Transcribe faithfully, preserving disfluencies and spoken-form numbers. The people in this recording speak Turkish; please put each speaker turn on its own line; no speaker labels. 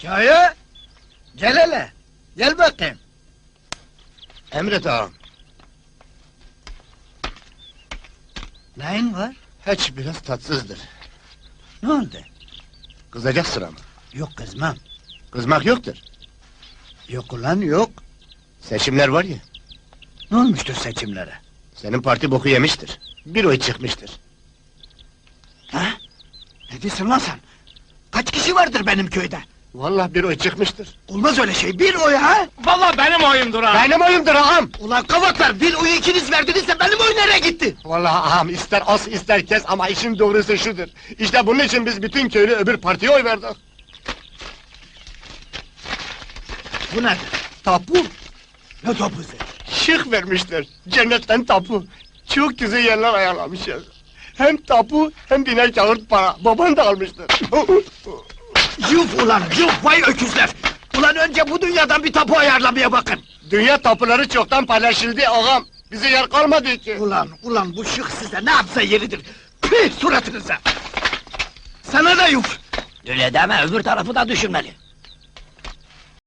Kaya! Gel hele! Gel bakayım!
Emret ağam.
Neyin var?
Hiç biraz tatsızdır.
Ne oldu?
Kızacak sıra mı?
Yok kızmam.
Kızmak yoktur.
Yok ulan yok.
Seçimler var ya,
Ne olmuştur seçimlere?
senin parti boku yemiştir. Bir oy çıkmıştır.
Ha? Ne diyorsun lan sen? Kaç kişi vardır benim köyde?
Vallahi bir oy çıkmıştır.
Olmaz öyle şey, bir oy ha?
Vallahi benim oyumdur ha!
Benim oyumdur ağam!
Ulan kavaklar, bir oyu ikiniz verdinizse benim oy nereye gitti?
Vallahi ağam, ister as ister kes ama işin doğrusu şudur. İşte bunun için biz bütün köylü öbür partiye oy verdik.
Bu nedir?
Tapu,
Ne topuzu?
şık vermişler. Cennetten tapu. Çok güzel yerler ayarlamışlar. Hem tapu hem biner kağıt para. Baban da almıştır.
Yuf ulan, yuf vay öküzler! Ulan önce bu dünyadan bir tapu ayarlamaya bakın!
Dünya tapuları çoktan paylaşıldı ağam. Bize yer kalmadı ki.
Ulan, ulan bu şık size ne yapsa yeridir! Püh suratınıza! Sana da yuf!
Öyle deme, öbür tarafı da düşünmeli.